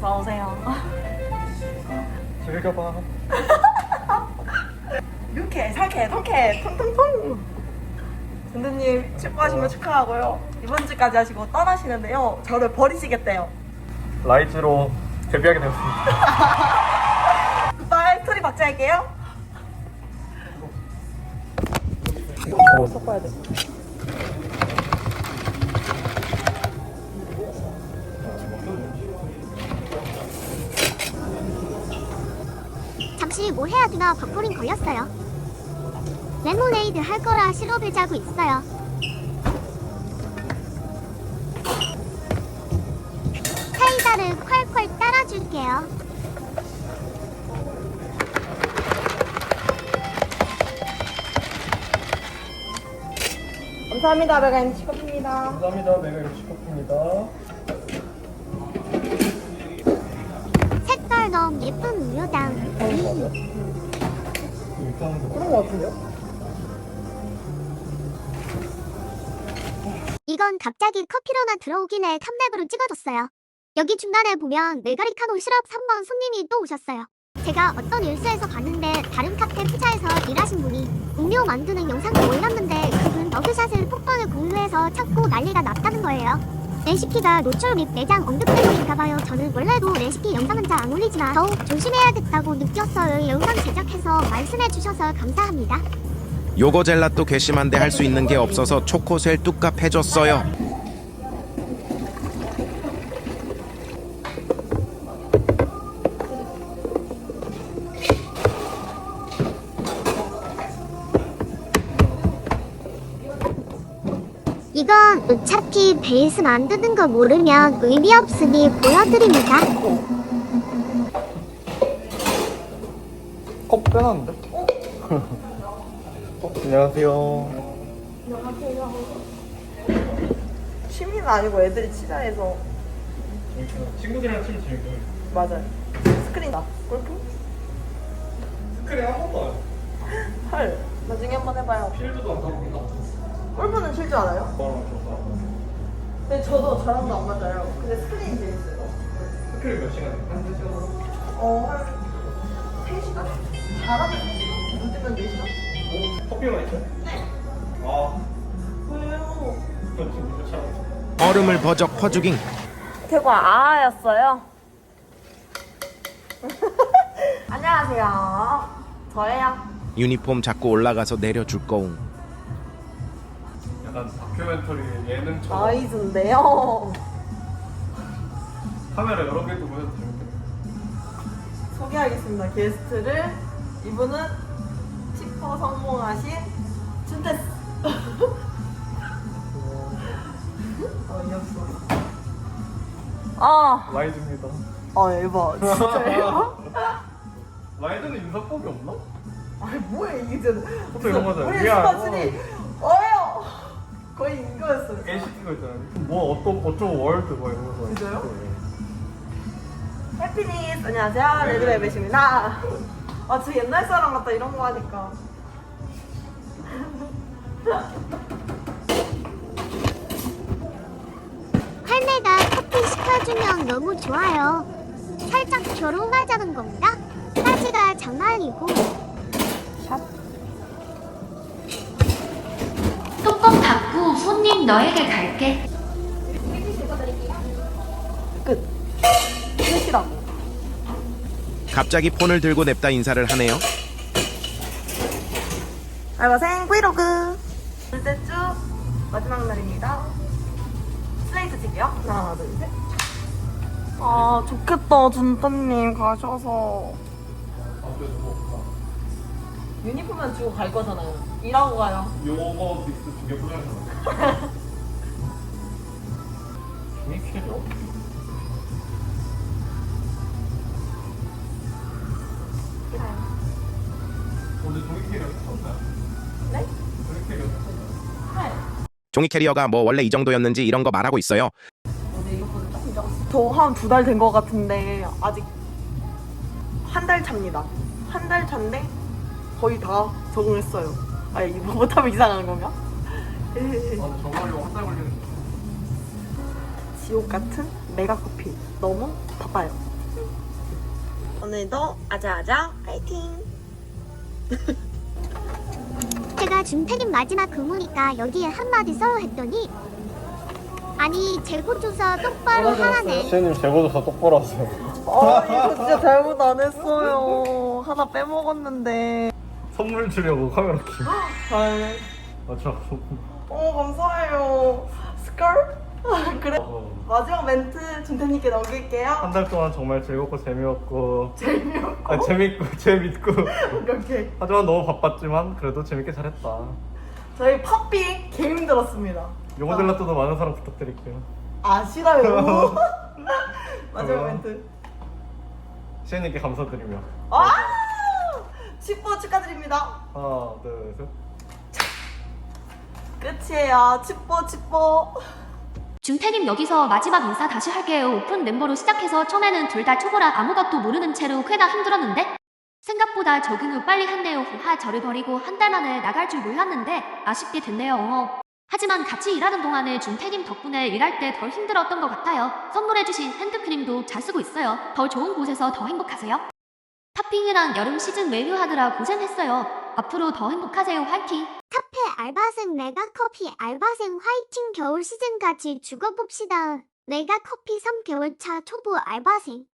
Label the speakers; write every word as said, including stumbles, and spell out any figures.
Speaker 1: 어서오세요.
Speaker 2: 즐겨봐.
Speaker 1: 유쾌, 살쾌, 통쾌, 통통통. 선생님 축구하신 거 축하하고요. 이번 주까지 하시고 떠나시는데요. 저를 버리시겠대요.
Speaker 2: 라이즈로 데뷔하게 되었습니다.
Speaker 1: 굿바이, 스토리 박제할게요. 어, 섞어야 돼.
Speaker 3: 잠시 뭐 해야 되나 버퍼링 걸렸어요. 레모네이드 할 거라 시럽을 짜고 있어요. 사이다를 콸콸 따라줄게요.
Speaker 1: 감사합니다. 메가인 치커피입니다.
Speaker 2: 감사합니다. 메가 치커피입니다.
Speaker 3: 색깔 너무 예쁜 우유당.
Speaker 1: 그런 거 같은데요?
Speaker 3: 이건 갑자기 커피로나 들어오기네 탑랩으로 찍어줬어요. 여기 중간에 보면 메가리카노 시럽 삼 번 손님이 또 오셨어요. 제가 어떤 일수에서 봤는데 다른 카페 투자에서 일하신 분이 음료 만드는 영상을 올렸는데 그분 머그샷을 폭번을 공유해서 찾고 난리가 났다는 거예요. 레시피가 노출 및 매장 언급 때문인가봐요. 저는 원래도 레시피 영상은 잘 안 올리지만 더욱 조심해야겠다고 느꼈어요. 영상 제작해서 말씀해주셔서 감사합니다.
Speaker 4: 요거 젤라또 괘씸한데 할 수 있는 게 없어서 초코셀 뚝값 해줬어요.
Speaker 3: 이건 어차피 베이스 만드는 거 모르면 의미 없으니 보여드립니다.
Speaker 2: 컵 빼놨는데? 어? 안녕하세요.
Speaker 1: 취미는 아니고 애들이 치자해서.
Speaker 2: 친구들이랑 치면 재밌고.
Speaker 1: 맞아요. 스크린다. 골프?
Speaker 2: 스크린 한 번도 안 해.
Speaker 1: 헐. 나중에 한번 해봐요.
Speaker 2: 필드도 안 가보나?
Speaker 1: 골프는 칠 줄 알아요?
Speaker 2: 너랑 줬다.
Speaker 1: 근데 저도 저랑도 안 맞아요. 근데 스크린이 재밌어요.
Speaker 2: 스크린 몇 시간 해? 한 시간?
Speaker 1: 어, 한 세 시간? 잘하면 늦으면 네 시간?
Speaker 2: 오, 커피만 있어요? 네. 아,
Speaker 1: 왜요?
Speaker 2: 저 지금 이거 차.
Speaker 4: 얼음을 버적 퍼주깅.
Speaker 1: 태국 아아였어요. 안녕하세요. 저예요.
Speaker 4: 유니폼 잡고 올라가서 내려줄 거웅.
Speaker 2: 약간 다큐멘터리 예능처럼
Speaker 1: 아이즈인데요.
Speaker 2: 카메라 여러 개 두고 해도 재밌겠네.
Speaker 1: 소개하겠습니다. 게스트를. 이분은 치퍼 성공하신 준테스. 어이없어. 아,
Speaker 2: 라이즈입니다.
Speaker 1: 아 에바 진짜요?
Speaker 2: 라이즈는 인사법이 없나?
Speaker 1: 아니 뭐야 이게 진짜.
Speaker 2: 보통 이런 거잖아요.
Speaker 1: 우리
Speaker 2: 미안.
Speaker 1: 스타들이 어요. 거의 이거였어요.
Speaker 2: 에이시티가 있잖아요. 뭐 어떤 어쩌고 월드 뭐 이런 거.
Speaker 1: 진짜요? 해피니스 안녕하세요. 레드벨벳입니다. 아 진짜 옛날 사람 같다 이런 거 하니까.
Speaker 3: 할매가 커피 시켜주면 너무 좋아요. 살짝 결혼하자는 겁니다. 사지가 장난이고.
Speaker 5: 뚜껑 닫고 손님 너에게 갈게.
Speaker 1: 끝. 끝이라고.
Speaker 4: 갑자기 폰을 들고 냅다 인사를 하네요.
Speaker 1: 알바생 브이로그. 둘째 주 마지막 날입니다. 슬레이트 칠게요. 하나 둘 셋. 아 좋겠다 준따님 가셔서. 유니폼만 주고 갈 거잖아요. 일하고 가요.
Speaker 2: 요거 믹스 두 개 뿌려서. 종이 캐려? 오늘 종이 캐리어 했었나요?
Speaker 1: 네?
Speaker 2: 종이 캐리어 했었나요?
Speaker 4: 종이 캐리어가 뭐 원래 이 정도였는지 이런 거 말하고 있어요.
Speaker 1: 근데 이것보다 조금 작았어. 저 한 두 달 된 거 같은데 아직 한 달 차입니다. 한 달 차인데 거의 다 적응했어요. 아 이거 못하면 이상한 건가?
Speaker 2: 아, 저거 하려고 한 달 걸리는
Speaker 1: 지옥 같은 메가 커피 너무 바빠요. 오늘도 아자아자 파이팅!
Speaker 3: 제가 준택인 마지막 근무니까 여기에 한마디 써요 했더니 아니 재고조사 똑바로 하라네.
Speaker 2: 시현님 재고조사 똑바로 하세요.
Speaker 1: 아 이거 진짜 잘못 안 했어요. 하나 빼먹었는데.
Speaker 2: 선물 주려고 카메라 키.
Speaker 1: 헐.
Speaker 2: 아, 저.
Speaker 1: 어 감사해요. 스컬? 그래.
Speaker 2: 어,
Speaker 1: 마지막 멘트 준태님께 넘길게요.
Speaker 2: 한 달 동안 정말 즐겁고 재미없고.
Speaker 1: 재미없고.
Speaker 2: 아, 재밌고 재밌고.
Speaker 1: 오케이 오케이.
Speaker 2: 하지만 너무 바빴지만 그래도 재밌게 잘했다.
Speaker 1: 저희 팝비 개 힘들었습니다.
Speaker 2: 요거 젤라또도 많은 사랑 부탁드릴게요.
Speaker 1: 아 싫어요. 마지막
Speaker 2: 어.
Speaker 1: 멘트.
Speaker 2: 시현님께 감사드리며.
Speaker 1: 아! 십 번 축하드립니다.
Speaker 2: 하나, 둘, 셋.
Speaker 1: 끝이에요. 칩보 칩보.
Speaker 5: 준태님 여기서 마지막 인사 다시 할게요. 오픈 멤버로 시작해서 처음에는 둘 다 초보라 아무것도 모르는 채로 꽤나 힘들었는데 생각보다 적응 후 빨리 했네요. 후하 저를 버리고 한 달 만에 나갈 줄 몰랐는데 아쉽게 됐네요. 어. 하지만 같이 일하는 동안에 준태님 덕분에 일할 때 덜 힘들었던 것 같아요. 선물해주신 핸드크림도 잘 쓰고 있어요. 더 좋은 곳에서 더 행복하세요. 탑핑이랑 여름 시즌 메뉴 하느라 고생했어요. 앞으로 더 행복하세요. 화이팅!
Speaker 3: 카페 알바생 메가커피 알바생 화이팅. 겨울 시즌까지 죽어봅시다. 메가커피 삼 개월 차 초보 알바생.